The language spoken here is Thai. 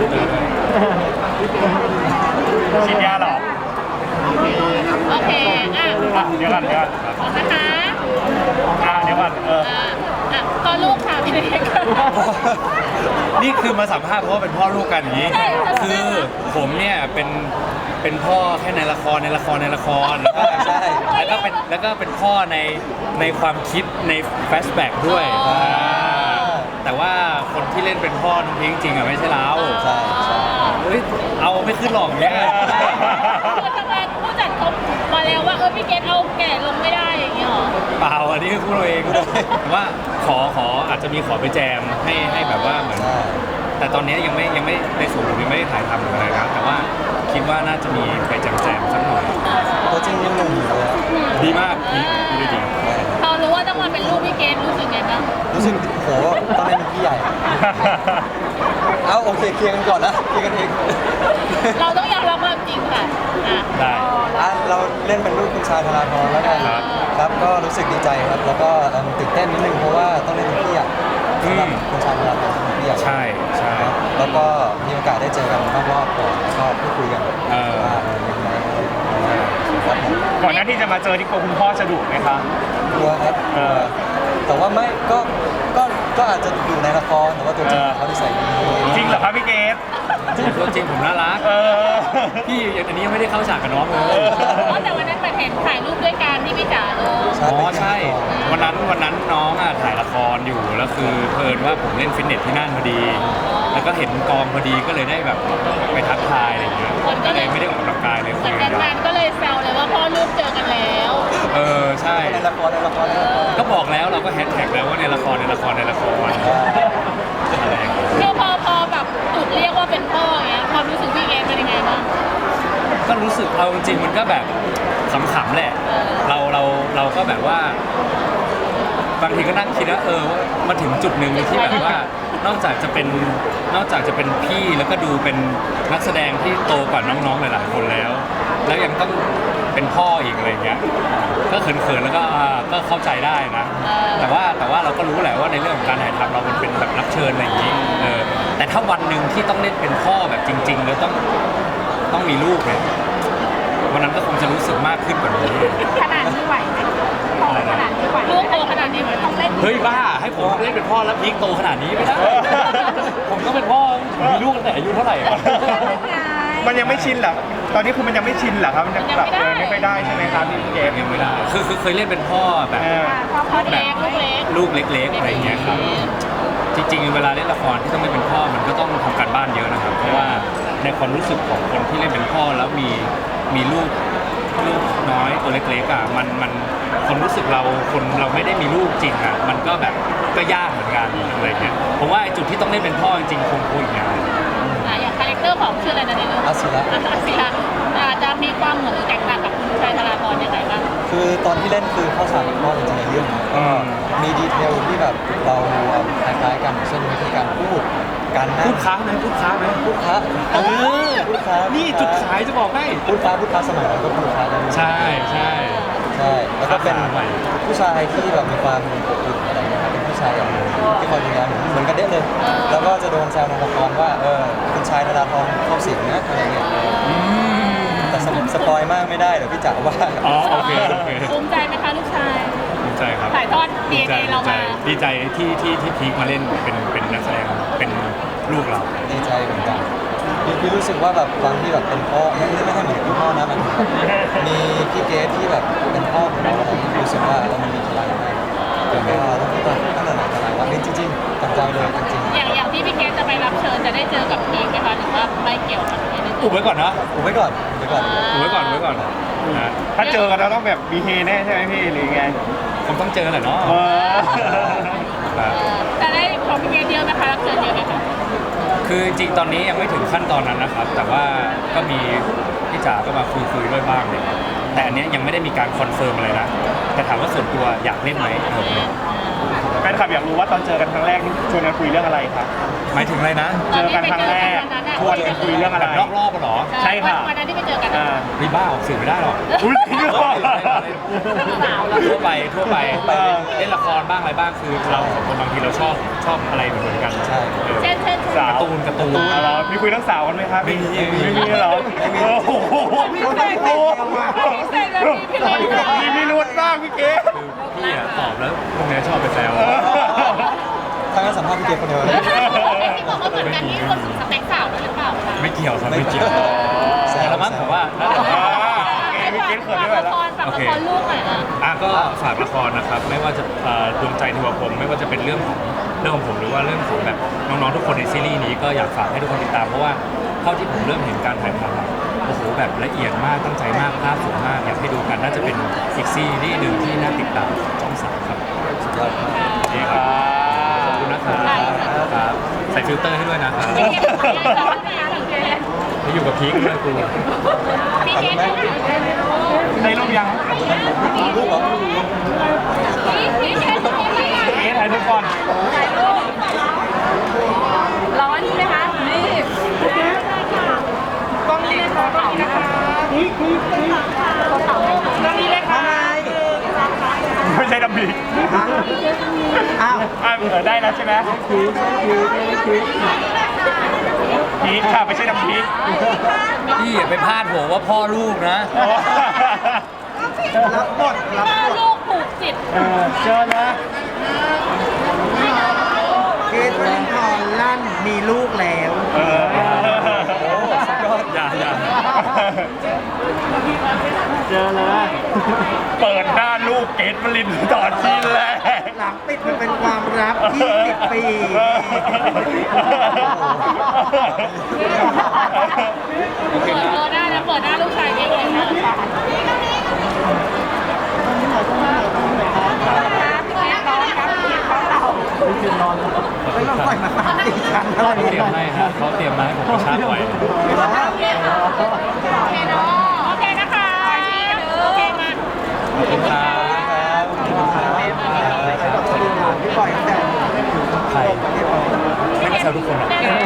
ฉีดยาหรอโอเคเดี๋ยวก่อนนะคะเดี๋ยวก่อนพ่อลูกค่ะพี่เล็กนี่คือมาสัมภาษณ์เพราะว่าเป็นพ่อลูกกันอย่างนี้ คือผมเนี่ยเป็นพ่อแค่ในละครแล้วก็ใช่แล้วก็เป็นพ่อในความคิดในแฟลชแบ็กด้วยแต่ว่าคนที่เล่นเป็นพ่อน้องพิงจริงอ่ะไม่ใช่เราใช่เฮ้ยเอาไม่ขึ้นหรอกเนี่ยคือทำไมผู้จัดเขามาแล้วว่าพี่เกดเอาแก่ลงไม่ได้อย่างเงี้ยหรอเปล่าอันนี้คือพูดเราเองว่าขออาจจะมีขอไปแจมให้แบบว่าเหมือนแต่ตอนนี้ยังไม่ในส่วนผมยังไม่ได้ถ่ายทำหรืออะไรครับแต่ว่าคิดว่าน่าจะมีไปแจมสักหน่อยตัวจริงยังหนุ่มอยู่เลยดีมากดีพอรู้ว่าต้องมาเป็นลูกพี่เกดรู้สึกไงบ้างรู้สึกโหตอนนี้เป็นพี่ใหญ่เอาโอเคเคลียร์กันก่อนนะเคลียร์กันเองเราต้องยอมรับความจริงค่ะได้เราเล่นเป็นลูกคุณชายธราธรแล้วกันครับก็รู้สึกดีใจครับแล้วก็ตื่นเต้นนิดนึงเพราะว่าต้องเล่นเป็นพี่ใหญ่สำหรับคุณชายธราธรพี่ใหญ่ใช่แล้วก็มีโอกาสได้เจอกันรอบๆก่อนแล้วก็พูดคุยกันว่ายังไงครับผมก่อนหน้าที่จะมาเจอที่คุณพ่อจะดุไหมคะกลัวครับแต่ว่าไม่ก็อาจจะอยู่ในละครแต่ว่าตัวจริงเขาที่ใส่ดีจริงเหรอครับพี่เกดตัวจริงผมน่ารักพี่อันนี้ยังไม่ได้เข้าฉากกับน้องเลยแต่วันนั้นมาเห็นถ่ายรูปด้วยกันที่พี่จ๋าเลยใช่วันนั้นน้องถ่ายละครอยู่แล้วคือเพลินว่าผมเล่นฟิตเนสที่นั่นพอดีแล้วก็เห็นกองพอดีก็เลยได้แบบไปทักทายอะไรอย่างเงี้ยก็เลยไม่ได้ออกกำลังกายเลยเหมือนกันก็เลยแซวเลยว่าพ่อลูกเจอกันแล้วใช่ในละครก็บอกแล้วเราก็แฮชแท็กแล้วว่าในละครคือพอแบบถูกเรียกว่าเป็นพ่ออย่างเงี้ยความรู้สึกพี่เกดเป็นยังไงบ้างก็รู้สึกเอาจริงมันก็แบบขำๆแหละเราก็แบบว่าบางทีก็นั่งคิดว่ามาถึงจุดหนึ่งที่แบบว่านอกจากจะเป็นพี่แล้วก็ดูเป็นนักแสดงที่โตกว่าน้องๆหลายๆคนแล้วยังต้องเป็นพ่ออีกอะไรเงี้ยก็เขินๆแล้วก็เข้าใจได้นะแต่ว่าเราก็รู้แหละว่าในเรื่องของการถ่ายทำเรามันเป็นแบบรับเชิญอะไรอย่างนี้แต่ถ้าวันหนึ่งที่ต้องเล่นเป็นพ่อแบบจริงๆแล้วต้องมีลูกเนี่ยวันนั้นก็คงจะรู้สึกมากขึ้นกว่านี้ขนาดนี้ไหวไหมขนาดนี้ไหวลูกโตขนาดนี้เหมือนต้องเล่นเฮ้ยบ้าให้ผมเล่นเป็นพ่อแล้วพีคโตขนาดนี้ไม่ได้ผมก็เป็นพ่อมีลูกตั้งแต่อายุเท่าไหร่มันยังไม่ชินเหรอตอนนี้คือมันยังไม่ชินเหรอครับมันยังแบบไม่ค่อยได้ใช่ไหมครับพี่เกมยังไม่ได้คือเคยเล่นเป็นพ่อแบบลูกเล็กๆอะไรเงี้ยครับจริงๆเวลาเล่นละครที่ต้องเล่นเป็นพ่อมันก็ต้องทำการบ้านเยอะนะครับเพราะว่าในความรู้สึกของคนที่เล่นเป็นพ่อแล้วมีลูกน้อยตัวเล็กๆมันความรู้สึกเราไม่ได้มีลูกจริงมันก็แบบก็ยากเหมือนกันอะไรเงี้ยผมว่าจุดที่ต้องเล่นเป็นพ่อจริงๆคงอีกอย่างคาแรคเตอร์ของชื่ออะไรนะในเรื่องอาศิระจะมีความเหมือนแตกต่างกับคุณชายธราธรยังไงบ้างคือตอนที่เล่นคือเข้าฉากกับพ่อจริงๆในเรื่องมีดีเทลที่แบบเราคล้ายๆกันเช่นวิธีการพูดการนั่งพูดค้าไหมพูดค้านี่จุดขายจะบอกให้พูดค้าสมัยนั้นก็พูดค้าใช่แล้วก็เป็นผู้ชายที่แบบมีความอบอุ่นอะไรเงี้ยครับเป็นผู้ชายที่คอยดูแลเหมือนกันเด็ดเลยแล้วก็จะโดนแซวในละครว่าคุณชายธราธรเข้าสิงนะอะไรเงี้ยแต่สปอยมากไม่ได้เดี๋ยวพี่จ๋าว่าโอเคภูมิใจไหมคะลูกชายภูมิใจครับถ่ายทอด DNA เรามาดีใจที่พีคมาเล่นเป็นนักแสดงเป็นลูกเราดีใจเหมือนกันพี่รู้สึกว่าแบบความที่แบบเป็นพ่อไม่ใช่เหมือนพี่พ่อนะมันมีพี่เกดที่แบบเป็นพ่อของเราอะไรที่รู้สึกว่ามันมีพลังมากเป็นพ่อตั้งแต่ไหนแต่ไรว่าจริงๆตั้งใจเลยจริงๆอย่างที่พี่เกดจะไปรับเชิญจะได้เจอกับพีคไหมคะหรือว่าไม่เกี่ยวกับพีคอุบไว้ก่อนนะอุบไว้ก่อนถ้าเจอกันเราต้องแบบบีเฮแน่ใช่ไหมพี่หรือไงผมต้องเจอแหละเนาะแต่ได้ของพี่เกดเยอะไหมคะรับเชิญเยอะไหมคะคือจริงตอนนี้ยังไม่ถึงขั้นตอนนั้นนะครับแต่ว่าก็มีพี่จ๋าก็มาคุยด้วยบ้างเลยแต่อันนี้ยังไม่ได้มีการคอนเฟิร์มอะไรนะแต่ถามว่าส่วนตัวอยากเล่นไหมแฟนคลับอยากรู้ว่าตอนเจอกันครั้งแรกนี่ชวนกันคุยเรื่องอะไรครับหมายถึงอะไรนะเจอกันครั้งแรกชวนกันคุยเรื่องอะไรนอกรอบหรอใช่ค่ะวันนั้นที่ไปเจอกันรีบ้าออกสื่อไม่ได้หรอกทั่วไปเล่นละครบ้างอะไรบ้างคือเราคนบางทีเราชอบอะไรเหมือนกันเช่นสาวการ์ตูนเหรอมีคุยเรื่องสาวกันไหมครับไม่มีไม่มีเหรอโอ้โหพิเศษเลยพี่เล็กมีพิรุธมากพี่เก๋คือพี่อะตอบแล้วพวกเนี้ยชอบไปแซวถ้างั้นสัมภาษณ์พี่เกดคนเดียวเลยที่บอกว่าเหมือนกันนี่รวมถึงสเปคสาวด้วยหรือเปล่าคะไม่เกี่ยวครับไม่เกี่ยวแต่ละมั้งผมว่าน่าจะพี่เก๋เขินไม่ไหวแล้วฝากละครลูกหน่อยอ่ะก็ฝากละครนะครับไม่ว่าจะดวงใจเทวพรหมไม่ว่าจะเป็นเรื่องของผมหรือว่าเรื่องของแบบน้องๆทุกคนในซีรีส์นี้ก็อยากฝากให้ทุกคนติดตามเพราะว่าเท่าที่ผมเริ่มเห็นการถ่ายทำอะโอ้โหแบบละเอียดมากตั้งใจมากภาพสวยมากอยากให้ดูกันน่าจะเป็นอีกซีรีส์หนึ่งที่น่าติดตามช่อง3ครับสุดยอดครับนี่ครับขอบคุณนะครับครับใส่ฟิลเตอร์ให้ด้วยนะครับพี่เกดพี่เกดไม่อยู่กับพีคด้วยกูพี่เกดได้รูปยังรูปเหรอพี่เกดเก๋ถ่ายรูปก่อนถ่ายรูปร้อนใช่ไหมคะนี่กล้องนี้นะคะกล้องนี้นะคะกล้องนี้เลยค่ะไม่ใช่ดำบีอ้าวได้แล้วใช่ไหมพีคค่ะไม่ใช่ดำพีคพี่อย่าไปพลาดหัวว่าพ่อลูกนะรับบทพ่อลูกผูกจิตเจอนะเกรทวรินทร์ลั่นมีลูกแล้วเอออย่าเจอเลยเปิดหน้าลูกเกตวลินต่อทีแรกหลังปิดมันเป็นความลับ20 ปีเปิดหน้านะเปิดหน้าลูกชายเองเลยนะไม่ต้องปล่อยมา3-4ครั้งแล้วเขาเตรียมให้ฮะเขาเตรียมมาให้ผมกระชากไว้โอเคเนาะโอเคนะคะโอเคมาขอบคุณครับพี่ปล่อยแต่ใครไม่ได้แซวทุกคนหรอก